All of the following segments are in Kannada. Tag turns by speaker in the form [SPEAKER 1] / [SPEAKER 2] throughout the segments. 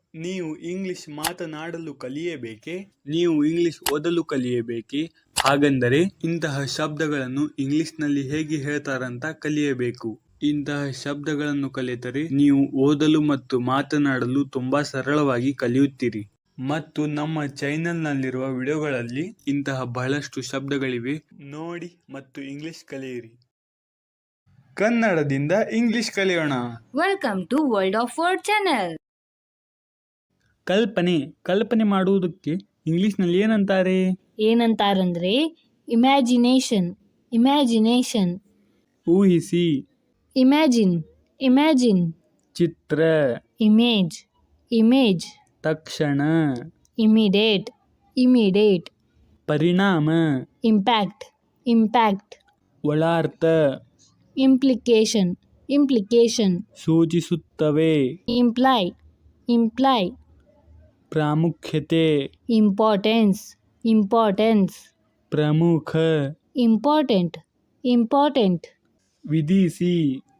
[SPEAKER 1] ನೀವು ಇಂಗ್ಲಿಷ್ ಮಾತನಾಡಲು ಕಲಿಯಬೇಕೇ? ನೀವು ಇಂಗ್ಲಿಷ್ ಓದಲು ಕಲಿಯಬೇಕೇ? ಹಾಗಂದರೆ ಇಂತಹ ಶಬ್ದಗಳನ್ನು ಇಂಗ್ಲಿಷ್ನಲ್ಲಿ ಹೇಗೆ ಹೇಳ್ತಾರಂತ ಕಲಿಯಬೇಕು. ಇಂತಹ ಶಬ್ದಗಳನ್ನು ಕಲಿತರೆ ನೀವು ಓದಲು ಮತ್ತು ಮಾತನಾಡಲು ತುಂಬಾ ಸರಳವಾಗಿ ಕಲಿಯುತ್ತೀರಿ. ಮತ್ತು ನಮ್ಮ ಚಾನೆಲ್ನಲ್ಲಿರುವ ವಿಡಿಯೋಗಳಲ್ಲಿ ಇಂತಹ ಬಹಳಷ್ಟು ಶಬ್ದಗಳಿವೆ, ನೋಡಿ ಮತ್ತು ಇಂಗ್ಲಿಷ್ ಕಲಿಯಿರಿ. ಕನ್ನಡದಿಂದ ಇಂಗ್ಲಿಷ್ ಕಲಿಯೋಣ.
[SPEAKER 2] Welcome to world of word channel.
[SPEAKER 1] ಕಲ್ಪನೆ ಮಾಡುವುದಕ್ಕೆ ಇಂಗ್ಲಿಷ್ನಲ್ಲಿ
[SPEAKER 2] ಏನಂತಾರಂದ್ರೆ ಇಮ್ಯಾಜಿನೇಷನ್.
[SPEAKER 1] ಊಹಿಸಿ.
[SPEAKER 2] ಇಮ್ಯಾಜಿನ್.
[SPEAKER 1] ಚಿತ್ರ.
[SPEAKER 2] ಇಮೇಜ್. ತಕ್ಷಣ. ಇಮಿಡಿಯೇಟ್.
[SPEAKER 1] ಪರಿಣಾಮ.
[SPEAKER 2] ಇಂಪ್ಯಾಕ್ಟ್.
[SPEAKER 1] ಒಳಾರ್ಥ.
[SPEAKER 2] ಇಂಪ್ಲಿಕೇಶನ್.
[SPEAKER 1] ಸೂಚಿಸುತ್ತವೆ.
[SPEAKER 2] ಇಂಪ್ಲೈ.
[SPEAKER 1] ಪ್ರಾಮುಖ್ಯತೆ.
[SPEAKER 2] ಇಂಪಾರ್ಟೆನ್ಸ್.
[SPEAKER 1] ಪ್ರಮುಖ.
[SPEAKER 2] ಇಂಪಾರ್ಟೆಂಟ್.
[SPEAKER 1] ವಿಧಿಸಿ.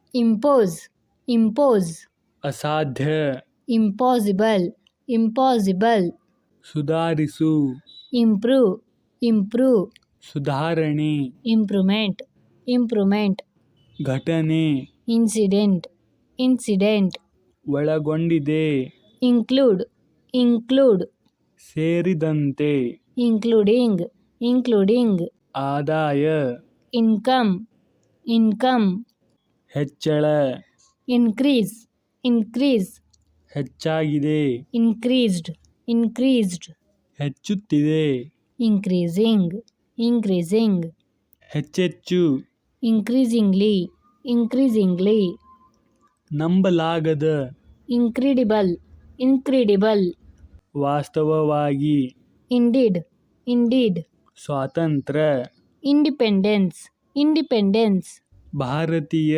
[SPEAKER 2] ಇಂಪೋಸ್.
[SPEAKER 1] ಅಸಾಧ್ಯ.
[SPEAKER 2] ಇಂಪಾಸಿಬಲ್.
[SPEAKER 1] ಸುಧಾರಿಸು.
[SPEAKER 2] ಇಂಪ್ರೂವ್.
[SPEAKER 1] ಸುಧಾರಣೆ.
[SPEAKER 2] ಇಂಪ್ರೂವ್ಮೆಂಟ್.
[SPEAKER 1] ಘಟನೆ.
[SPEAKER 2] ಇನ್ಸಿಡೆಂಟ್.
[SPEAKER 1] ಒಳಗೊಂಡಿದೆ.
[SPEAKER 2] ಇನ್ಕ್ಲೂಡ್.
[SPEAKER 1] ಸೇರಿದಂತೆ.
[SPEAKER 2] ಇನ್ಕ್ಲೂಡಿಂಗ್.
[SPEAKER 1] ಆದಾಯ.
[SPEAKER 2] ಇನ್ಕಮ್.
[SPEAKER 1] ಹೆಚ್ಚಳ.
[SPEAKER 2] ಇನ್ಕ್ರೀಸ್.
[SPEAKER 1] ಹೆಚ್ಚಾಗಿದೆ.
[SPEAKER 2] ಇನ್ಕ್ರೀಸ್ಡ್.
[SPEAKER 1] ಹೆಚ್ಚುತ್ತಿದೆ.
[SPEAKER 2] ಇನ್ಕ್ರೀಸಿಂಗ್.
[SPEAKER 1] ಹೆಚ್ಚೆಚ್ಚು.
[SPEAKER 2] ಇನ್ಕ್ರೀಸಿಂಗ್ಲಿ.
[SPEAKER 1] ನಂಬಲಾಗದ.
[SPEAKER 2] ಇನ್ಕ್ರೆಡಿಬಲ್.
[SPEAKER 1] ವಾಸ್ತವವಾಗಿ.
[SPEAKER 2] ಇಂಡೀಡ್.
[SPEAKER 1] ಸ್ವಾತಂತ್ರ್ಯ.
[SPEAKER 2] ಇಂಡಿಪೆಂಡೆನ್ಸ್.
[SPEAKER 1] ಭಾರತೀಯ.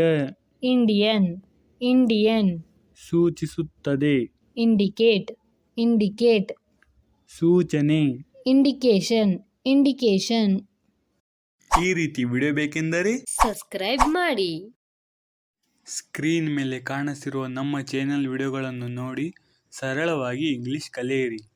[SPEAKER 2] ಇಂಡಿಯನ್.
[SPEAKER 1] ಸೂಚಿಸುತ್ತದೆ.
[SPEAKER 2] ಇಂಡಿಕೇಟ್.
[SPEAKER 1] ಸೂಚನೆ.
[SPEAKER 2] ಇಂಡಿಕೇಶನ್.
[SPEAKER 1] ಈ ರೀತಿ ವಿಡಿಯೋ ಬೇಕೆಂದರೆ
[SPEAKER 2] ಸಬ್ಸ್ಕ್ರೈಬ್ ಮಾಡಿ.
[SPEAKER 1] ಸ್ಕ್ರೀನ್ ಮೇಲೆ ಕಾಣಿಸಿರುವ ನಮ್ಮ ಚಾನೆಲ್ ವಿಡಿಯೋಗಳನ್ನು ನೋಡಿ ಸರಳವಾಗಿ ಇಂಗ್ಲಿಷ್ ಕಲಿಯಿರಿ.